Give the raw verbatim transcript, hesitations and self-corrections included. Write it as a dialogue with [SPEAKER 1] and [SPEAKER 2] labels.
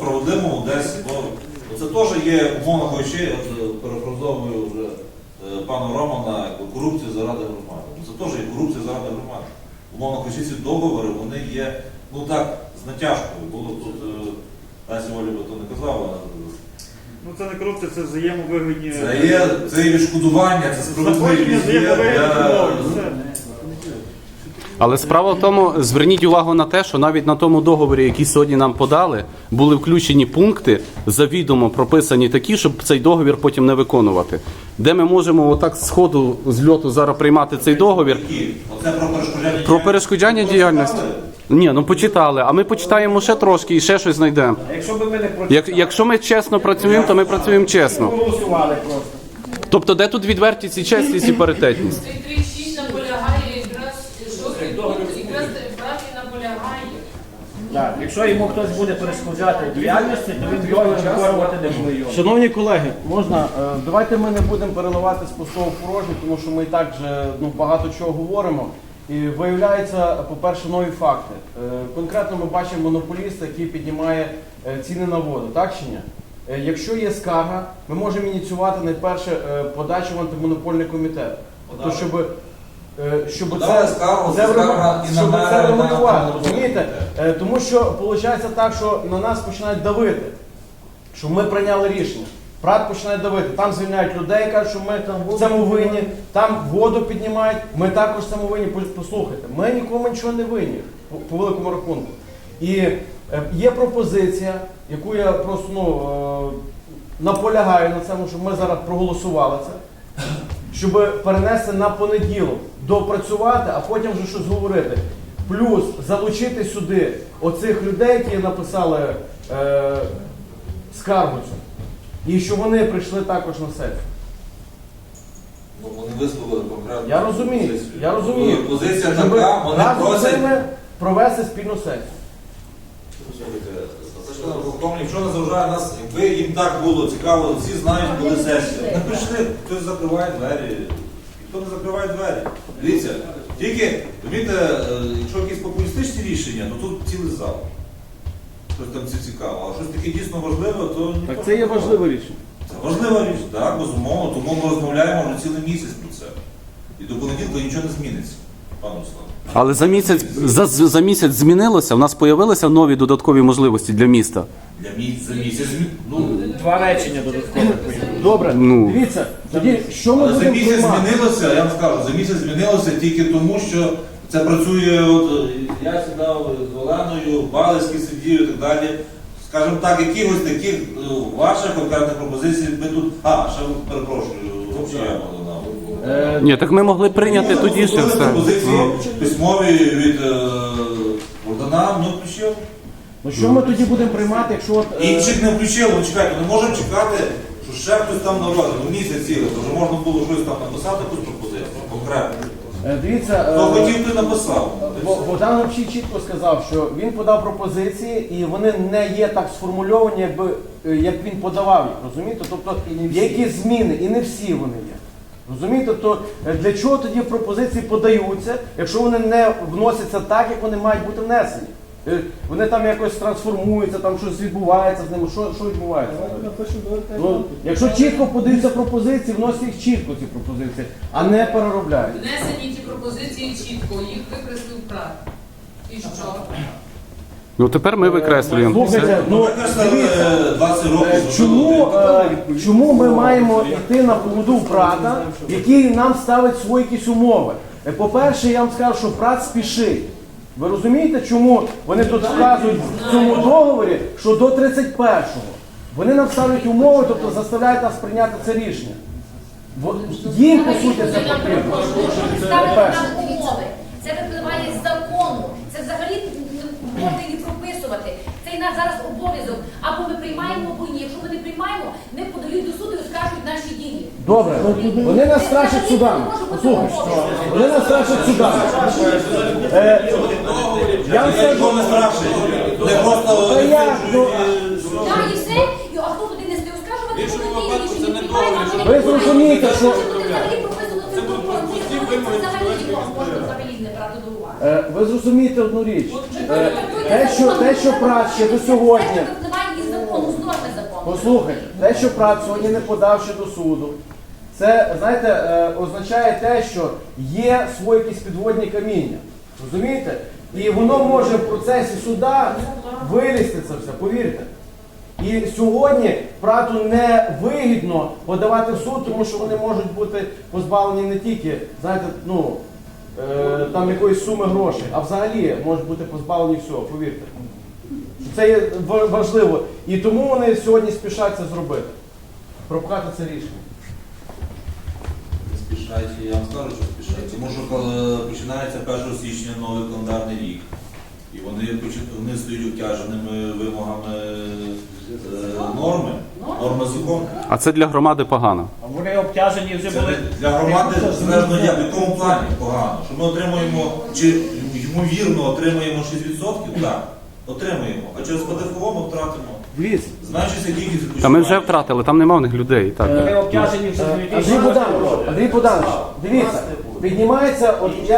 [SPEAKER 1] справедливому десь, ну, це теж є, умовно кажучи, от перефразовую вже пана Романа, корупція заради громади. Це теж є корупція заради громади. Умовно кажучи, ці договори, вони є, ну так, з натяжкою. Було тут, Лесі Олі би то не казала.
[SPEAKER 2] Ну це не корупція, це взаємовигідні...
[SPEAKER 1] Це є, це є відшкодування, це справедливість.
[SPEAKER 3] Але справа в тому, зверніть увагу на те, що навіть на тому договорі, який сьогодні нам подали, були включені пункти, завідомо прописані такі, щоб цей договір потім не виконувати. Де ми можемо отак з ходу, з льоту зараз приймати цей договір?
[SPEAKER 1] Оце про перешкоджання діяльності?
[SPEAKER 3] Про перешкоджання діяльності. Ні, ну почитали, а ми почитаємо ще трошки і ще щось знайдемо.
[SPEAKER 4] Якщо би ми не прочитали,
[SPEAKER 3] Як, якщо ми чесно працюємо, то ми працюємо чесно.
[SPEAKER 4] голосували просто.
[SPEAKER 3] Тобто де тут відвертість і чесність і паритетність?
[SPEAKER 5] Цей тридцять шість наполягає якраз, шостий пункт, якраз праві наполягає.
[SPEAKER 4] Так, якщо йому хтось буде перешкоджати діяльності, то він його виконувати не буде.
[SPEAKER 6] Шановні колеги, можна, е, давайте ми не будемо переливати з пустого в порожнє, тому що ми і так вже ну, багато чого говоримо. І виявляються, по-перше, нові факти. Е, Конкретно ми бачимо монополіста, який піднімає е, ціни на воду, так чи ні? Е, Якщо є скарга, ми можемо ініціювати найперше е, подачу в антимонопольний комітет. Тобто, щоб, е, щоб
[SPEAKER 1] Подали
[SPEAKER 6] це,
[SPEAKER 1] скаргу,
[SPEAKER 6] це,
[SPEAKER 1] це скарга і на
[SPEAKER 6] щоб
[SPEAKER 1] мене,
[SPEAKER 6] це
[SPEAKER 1] і на
[SPEAKER 6] регулювати,
[SPEAKER 1] антимонопольний
[SPEAKER 6] розумієте? Е, Тому що виходить так, що на нас починають давити, що ми прийняли рішення. Прат починає давити, там звільняють людей, кажуть, що ми в цьому винні, там воду піднімають, ми також в цьому винні. Послухайте, ми нікому нічого не винні, по, по великому рахунку. І е, є пропозиція, яку я просто ну, е, наполягаю на цьому, щоб ми зараз проголосували це, щоб перенести на понеділок, допрацювати, а потім вже щось говорити. Плюс залучити сюди оцих людей, які написали е, скаргу цю. І що вони прийшли також на сесію.
[SPEAKER 1] Ну, вони висловили конкретну
[SPEAKER 6] Я розумію,
[SPEAKER 1] позицію.
[SPEAKER 6] я розумію.
[SPEAKER 1] І позиція
[SPEAKER 6] Щоб
[SPEAKER 1] така, вони
[SPEAKER 6] разом з
[SPEAKER 1] просять...
[SPEAKER 6] ними провести спільну сесію.
[SPEAKER 1] Слухайте, це ж тому, якщо не заважає нас, якби їм так було цікаво, всі знають, коли сесія. Не прийшли, хтось закриває двері, ніхто не закриває двері. Дивіться, тільки, розумієте, якщо якісь популістичні рішення, то тут цілий зал. Щось там це цікаво, а щось таке дійсно важливе, то ніхто...
[SPEAKER 6] Так це є важливе рішення.
[SPEAKER 1] Це важлива річ, так, безумовно, тому ми розмовляємо вже цілий місяць про це. І до понеділка нічого не зміниться, пане Руслан.
[SPEAKER 3] Але за місяць, за, за місяць змінилося, в нас з'явилися нові додаткові можливості для міста.
[SPEAKER 1] Для місяця, за місяць, ну,
[SPEAKER 4] Два речення додатково.
[SPEAKER 6] Добре,
[SPEAKER 3] Ну.
[SPEAKER 6] дивіться, тоді що ми
[SPEAKER 1] але за
[SPEAKER 6] будемо
[SPEAKER 1] місяць
[SPEAKER 6] приймати?
[SPEAKER 1] змінилося, я вам скажу, за місяць змінилося тільки тому, що це працює, от, я сідав з Оленою, Балицький сидів і так далі. Скажімо так, якихось таких ну, ваших конкретних пропозицій ми тут... А, ще перепрошую, взагалі я мав.
[SPEAKER 3] Ні, так ми могли прийняти тоді ще все.
[SPEAKER 1] Пропозиції письмові від е, Богдана, ну включив.
[SPEAKER 6] Ну що ми тоді будемо приймати, якщо от... е,
[SPEAKER 1] Інших не включили, ну чекайте, не можемо чекати, що ще хтось там наводить, ну місяць цілий, то вже можна було щось там написати, якусь пропозицію, конкретно.
[SPEAKER 6] е, Дивіться,
[SPEAKER 1] Хто
[SPEAKER 6] е,
[SPEAKER 1] хотів, той написав.
[SPEAKER 6] Бо- Богдан взагалі чітко сказав, що він подав пропозиції і вони не є так сформульовані, якби, е, як він подавав їх, розумієте? Тобто є якісь зміни, і не всі вони є. Розумієте? То е, для чого тоді пропозиції подаються, якщо вони не вносяться так, як вони мають бути внесені? Е, Вони там якось трансформуються, там щось відбувається з ними. Що, що відбувається? Ну, якщо чітко подаються пропозиції, вносять їх чітко ці пропозиції, а не переробляють.
[SPEAKER 5] Внесені ті пропозиції чітко, їх викреслив прав. І що?
[SPEAKER 3] Ну тепер ми викреслюємо.
[SPEAKER 6] Слухайте, ну,
[SPEAKER 1] Викреслили
[SPEAKER 6] дивіться,
[SPEAKER 1] двадцять
[SPEAKER 6] Е,
[SPEAKER 1] років.
[SPEAKER 6] Чому, е, чому ми маємо йти на поводу брата, який нам ставить свої якісь умови? Е, По-перше, я вам скажу, що брат спішить. Ви розумієте, чому вони тут вказують в цьому договорі, що до тридцять першого вони нам ставлять умови, тобто заставляють нас прийняти це рішення. Бо їм, по суті, це потрібно.
[SPEAKER 7] Ставити
[SPEAKER 6] По-перше.
[SPEAKER 7] нам умови. Це випливає з закону. Це взагалі можна і не прописувати. Це і наш зараз обов'язок. Або ми приймаємо, або ні. Якщо ми не приймаємо, не подають до суду і оскаржують наші дії.
[SPEAKER 6] Добре, вони нас страшать судами. Послухай, вони нас страшать судами. Е, Я вам
[SPEAKER 1] Я
[SPEAKER 6] скажу,
[SPEAKER 1] нікого не страшить. Не просто...
[SPEAKER 6] Та як, ну,
[SPEAKER 7] Так, і все. І, А хто туди не стає оскаржувати,
[SPEAKER 8] В іншому
[SPEAKER 7] коли ті
[SPEAKER 8] випадку
[SPEAKER 7] рішення
[SPEAKER 8] це не
[SPEAKER 7] приймають, а
[SPEAKER 8] договір,
[SPEAKER 7] вони
[SPEAKER 6] Ви зрозумієте, що-
[SPEAKER 7] Це буде взагалі прописано в цьому законі. Це взагалі можна взагалі не брати до уваги.
[SPEAKER 6] Е, Ви зрозумієте одну річ. Е, Те, що, те, що працює до сьогодні,
[SPEAKER 7] Це випливає із закону.
[SPEAKER 6] Послухайте, те, що ПРАТ сьогодні не подав ще до суду, це, знаєте, е, означає те, що є свої якісь підводні каміння. Розумієте? І воно може в процесі суда вилізти це все, повірте. І сьогодні ПРАТу не вигідно подавати в суд, тому що вони можуть бути позбавлені не тільки, знаєте, ну, е, там якоїсь суми грошей, а взагалі можуть бути позбавлені всього, повірте. Це є ва- важливо. І тому вони сьогодні спішать це зробити. Пропхати це рішення.
[SPEAKER 1] Не спішайте, я вам скажу, що спішайте. Тому що коли починається першого січня новий календарний рік, і вони, почи- вони стають обтяженими вимогами е, норми, норми закону.
[SPEAKER 3] А це для громади погано.
[SPEAKER 4] А вони обтяжені вже
[SPEAKER 1] Це
[SPEAKER 4] були.
[SPEAKER 1] не- для громади залежно як, в якому плані погано. Що ми отримуємо, чи ймовірно отримуємо шість відсотків? Так, отримуємо. А через ПДФО ми втратимо.
[SPEAKER 6] Дивіться.
[SPEAKER 1] Зменшиться кількість
[SPEAKER 3] Та ми вже втратили, там нема в них людей. Так.
[SPEAKER 4] Вони обтяжені вже з
[SPEAKER 6] Андрій
[SPEAKER 4] дві тисячі
[SPEAKER 6] Богданович, Андрій Богданович, дивіться, піднімається, от я